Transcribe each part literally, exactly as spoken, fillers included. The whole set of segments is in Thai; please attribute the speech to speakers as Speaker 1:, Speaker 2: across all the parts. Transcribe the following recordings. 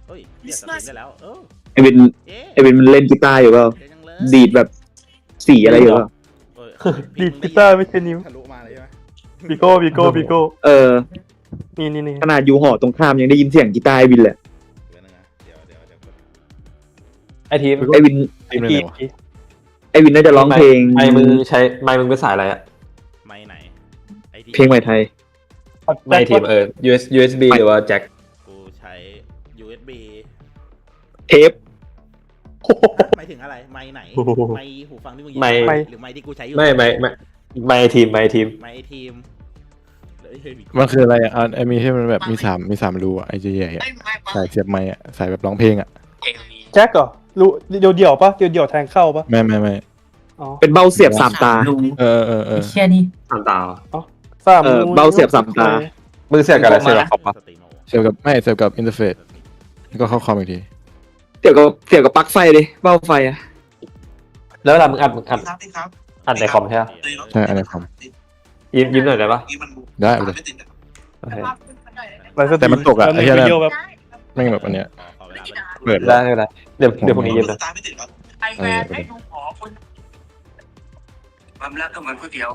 Speaker 1: เฮ้ยเรียกสตรีมได้แล้วเออ
Speaker 2: ไอวิน
Speaker 1: เอ๊ะ
Speaker 2: ไอวินมันเล่นกีตาร์อยู่เปล่า
Speaker 1: เดี๋ยวยังเลย
Speaker 2: ดีดแบบสีอะไรอยู่เปล่า
Speaker 1: เออ
Speaker 3: ดีดกีตาร์ไม่ใช่นิ้ว
Speaker 4: ทะลุมาเลยใช่ไหม
Speaker 3: บิโก้บิโก้บิโก้
Speaker 2: เออ
Speaker 3: นี่นี่นี่
Speaker 2: ขนาดอยู่หอตรงข้ามยังได้ยินเสียงกีตาร์ไอวินเลย
Speaker 4: เดี๋ยวนึงนะเดี๋ยวเดี๋ยวเดี๋ยว
Speaker 5: ไอทีม
Speaker 2: ไอวิน
Speaker 6: ทีมอะไร
Speaker 3: กี
Speaker 6: วะ
Speaker 3: กี
Speaker 2: ไอวินน่าจะร้องเพลง
Speaker 5: ไมค์มึงใช้ไมค์มึงเป็นสายอะไรอะ
Speaker 1: ไม่ไหนไอที่
Speaker 2: เพลงใหม่ไทย
Speaker 5: ไมค์ทีมเออ ยู เอส ยู เอส บี หรือว่าแจ็ค
Speaker 1: กูใช้ ยู เอส บี
Speaker 2: เทป
Speaker 1: หมายถึงอะไรไมค์ไหน
Speaker 3: โอ้โห
Speaker 1: ไมค์หูฟังที่มึง
Speaker 5: ไมค์
Speaker 1: หรือไมค์ที่กูใช้อยู่
Speaker 5: ไม่ไม่ไม่ไมค์ทีมไมค์ทีม
Speaker 1: ไมค์ไอทีมเฮ้ยเฮ้ย
Speaker 6: มันคืออะไรอ่ะอ่ะไอมีที่มันแบบมีสามมีสามรูอ่ะไอเจใหญ่อ่ะสายเสียบไม้อ่ะสายแบบร้องเพลงอ่ะ
Speaker 3: แจ็คเหรอรู้เดี่ยวเดี่ยวๆปะเดี่ยวเดี่ยวๆแทงเข้าปะ
Speaker 6: ไม่ไม่ไม่
Speaker 3: อ๋อ
Speaker 2: เป็นเบ้าเสียบสามตา
Speaker 6: เออเออเออ
Speaker 7: เชี่ยนี่
Speaker 5: สามตา
Speaker 3: สาม
Speaker 2: เออ
Speaker 3: นิ้ว
Speaker 2: เบาเสียบสามตา
Speaker 5: มึงเสียบกับอะไรเสียบกับคอมปะ
Speaker 1: สตรีโน
Speaker 6: เสียบกับไม่เสียบกับอินเทอร์เฟซแล้วก็เข้าคอมอีกที
Speaker 2: เสียบกับเสียบกับปลั๊กไฟดิเบ้าไฟอะ
Speaker 5: แล้วเวลามึงอัดมึงอัดอัดในคอมใช่ปะ
Speaker 6: ใช่อะไรคอม
Speaker 5: ยิ้มยิ้มหน่อยได้ปะ
Speaker 6: ได้ไปเลย
Speaker 5: โอเค
Speaker 6: แต่มันตกอะไอ้เหี้ยนั่น
Speaker 3: เดียวแบบ
Speaker 6: แม่งแบบอันเนี้ย
Speaker 1: ขอขอเวลาไป
Speaker 6: เปิด
Speaker 5: ได้ไม่เป็นไรเดี๋ยวเดี๋ยวพรุ่งนี้ยิ้มนะ
Speaker 7: ไอแวนให้ดูหมอคนความรักก็เหมือนก๋วยเตี๋ยว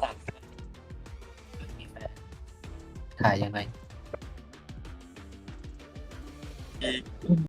Speaker 7: ถ่ายยังไง